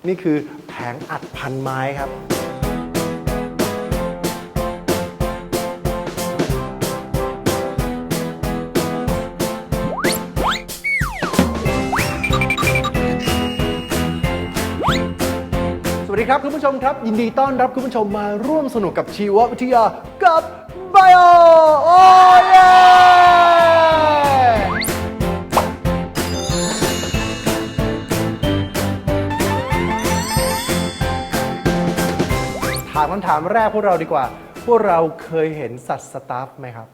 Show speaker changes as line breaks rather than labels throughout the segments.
นี่คือแผงอัดพันไม้ครับสวัสดีครับคุณผู้ชมครับยินดีต้อนรับคุณผู้ชมมาร่วมสนุกกับชีววิทยากับ Bio โอ้เย่ถามคำถามแรกพวกเราดีกว่าพวกเราเคยเห็นสัตว์สตาฟไหมครับ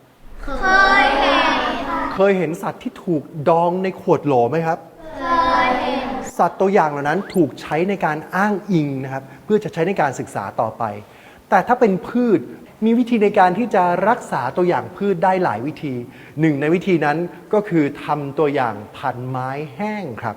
เคยเห็นสัตว์ที่ถูกดองในขวดโหลไหมครับสัตว์ตัวอย่างเหล่านั้นถูกใช้ในการอ้างอิงนะครับเพื่อจะใช้ในการศึกษาต่อไปแต่ถ้าเป็นพืชมีวิธีในการที่จะรักษาตัวอย่างพืชได้หลายวิธีหนึ่งในวิธีนั้นก็คือทำตัวอย่างพันไม้แห้งครับ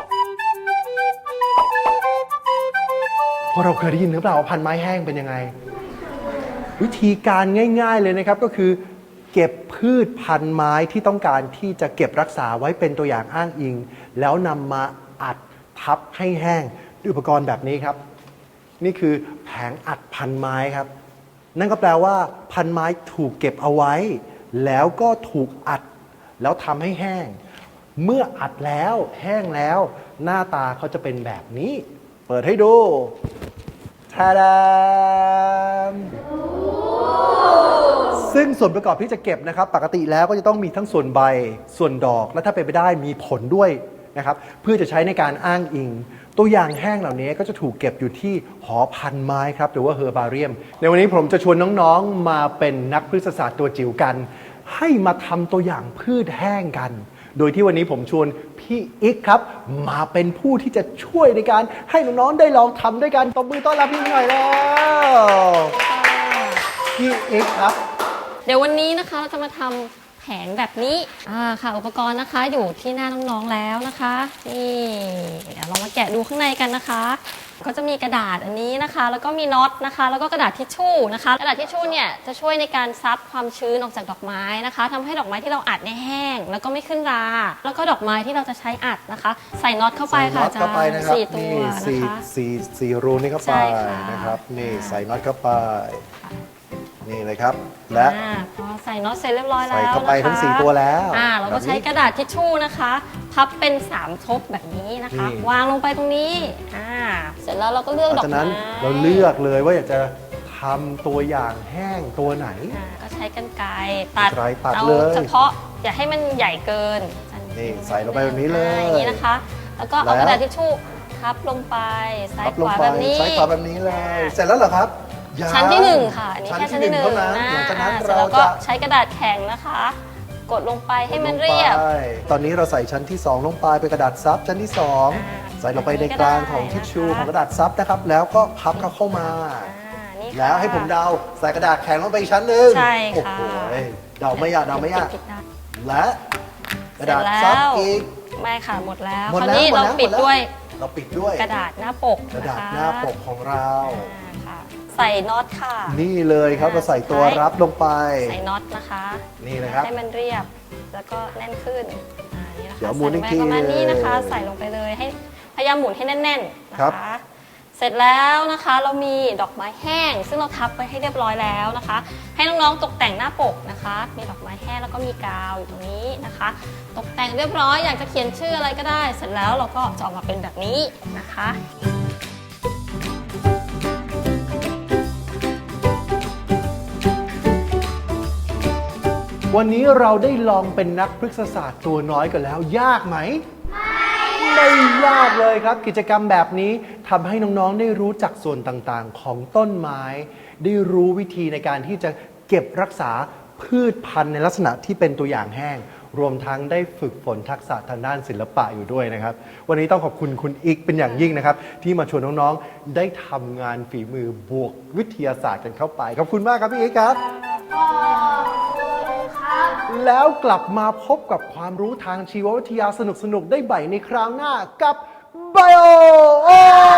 พวกเราเคยได้ยินหรือเปล่าว่าพันไม้แห้งเป็นยังไงวิธีการง่ายๆเลยนะครับก็คือเก็บพืชพันไม้ที่ต้องการที่จะเก็บรักษาไว้เป็นตัวอย่างอ้างอิงแล้วนำมาอัดทับให้แห้งด้วยอุปกรณ์แบบนี้ครับนี่คือแผงอัดพันไม้ครับนั่นก็แปลว่าพันไม้ถูกเก็บเอาไว้แล้วก็ถูกอัดแล้วทำให้แห้งเมื่ออัดแล้วแห้งแล้วหน้าตาเขาจะเป็นแบบนี้เปิดให้ดูทาดามซึ่งส่วนประกอบที่จะเก็บนะครับปกติแล้วก็จะต้องมีทั้งส่วนใบส่วนดอกและถ้าเป็นไปได้มีผลด้วยนะครับเพื่อจะใช้ในการอ้างอิงตัวอย่างแห้งเหล่านี้ก็จะถูกเก็บอยู่ที่หอพันไม้ครับหรือว่าเฮอร์บาเรียมในวันนี้ผมจะชวนน้องๆมาเป็นนักพฤกษศาสตร์ตัวจิ๋วกันให้มาทำตัวอย่างพืชแห้งกันโดยที่วันนี้ผมชวนพี่อิ๊กครับมาเป็นผู้ที่จะช่วยในการให้น้องๆได้ลองทำด้วยกันตบมือต้อนรับพี่หน่อยแล้วพี่อิ๊กครับ
เดี๋ยววันนี้นะคะเราจะมาทำแผงแบบนี้ค่ะอุปกรณ์นะคะอยู่ที่หน้าน้องๆแล้วนะคะนี่เดี๋ยวเรามาแกะดูข้างในกันนะคะก็จะมีกระดาษอันนี้นะคะแล้วก็มีน็อตนะคะแล้วก็กระดาษทิชชู่นะคะกระดาษทิชชู่เนี่ยจะช่วยในการซับความชื้นออกจากดอกไม้นะคะทำให้ดอกไม้ที่เราอัดเนี่ยแห้งแล้วก็ไม่ขึ้นราแล้วก็ดอกไม้ที่เราจะใช้อัดนะคะใส่น็อตเข้าไปค่ะอาจารย์4 ตัวนะคะ
สี่รูนี่เข้าไปนะครับนี่ใส่น็อตเข้าไปนี่เลยครับและ
พอใส่น็อตเสร็จเรียบร้อยแล้ว
ใส่เข้าไปทั้ง4ตัวแล้ว
เราก็ใช้กระดาษทิชชู่นะคะพับเป็น3ทบแบบนี้นะคะวางลงไปตรงนี้เสร็จแล้วเราก็เลือกดอกไม้จากนั้น
เราเลือกเลยว่าอยากจะทำตัวอย่างแห้งตัวไหน
ก็ใช้กรรไกรตัดเอาเฉพาะอย่าให้มันใหญ่เกิน
นี่ใส่ลงไปแบบนี้เลย
อย่างนี้นะคะแล้วก็เอากระดาษทิชชู่ทับลงไปซ้ายขวาแบบนี้
ซ้ายขวาแบบนี้เลยเสร็จแล้วเหรอครับ
ชั้นที่1ค่ะอันนี้แค่ชั้นที่1
หลังจากนั้น
เราก็ใช้กระดาษแข็งนะคะกดลงไปให้มันเรียบ
ตอนนี้เราใส่ชั้นที่2ลงไปเป็นกระดาษซับชั้นที่2ใส่ลงไปในกลางของทิชชู่ของกระดาษซับนะครับแล้วก็พับเข้ามาแล้วให้ผมเดาใส่กระดาษแข็งลงไปอีกชั้นหนึ่ง
ใช่ค่ะ
เดาไม่ยากและกระดาษซับอีก
ไม่ค่ะหมดแล้วคราวนี้เราปิดด้วยกระดาษหน้าปก
ของเรา
ใส่น็อตค่ะ
นี่เลยครับเราใส่ตัวรับลงไป
ใส่น็อตนะคะ
นี่นะครับ
ให้มันเรียบแล้วก็แน่นขึ้นนี่นะคะ
เดี๋ยวหมุนอีกที
ประมาณนี้นะคะใส่ลงไปเลยให้พยายามหมุนให้แน่นๆนะคะเสร็จแล้วนะคะเรามีดอกไม้แห้งซึ่งเราทับไปให้เรียบร้อยแล้วนะคะให้น้องๆตกแต่งหน้าปกนะคะมีดอกไม้แห้งแล้วก็มีกาวอยู่ตรงนี้นะคะตกแต่งเรียบร้อยอยากจะเขียนชื่ออะไรก็ได้เสร็จแล้วเราก็จะออกมาเป็นแบบนี้นะคะ
วันนี้เราได้ลองเป็นนักพฤกษศาสตร์ตัวน้อยกันแล้วยากไหมไม่ยากเลยครับกิจกรรมแบบนี้ทำให้น้องๆได้รู้จักส่วนต่างๆของต้นไม้ได้รู้วิธีในการที่จะเก็บรักษาพืชพันธุ์ในลักษณะที่เป็นตัวอย่างแห้งรวมทั้งได้ฝึกฝนทักษะทางด้านศิลปะอยู่ด้วยนะครับวันนี้ต้องขอบคุณคุณอิ๊กเป็นอย่างยิ่งนะครับที่มาชวนน้องๆได้ทำงานฝีมือบวกวิทยาศาสตร์กันเข้าไปขอบคุณมากครับพี่อิ๊กครับแล้วกลับมาพบกับความรู้ทางชีววิทยาสนุกๆได้ใหม่ในคราวหน้ากับ Bio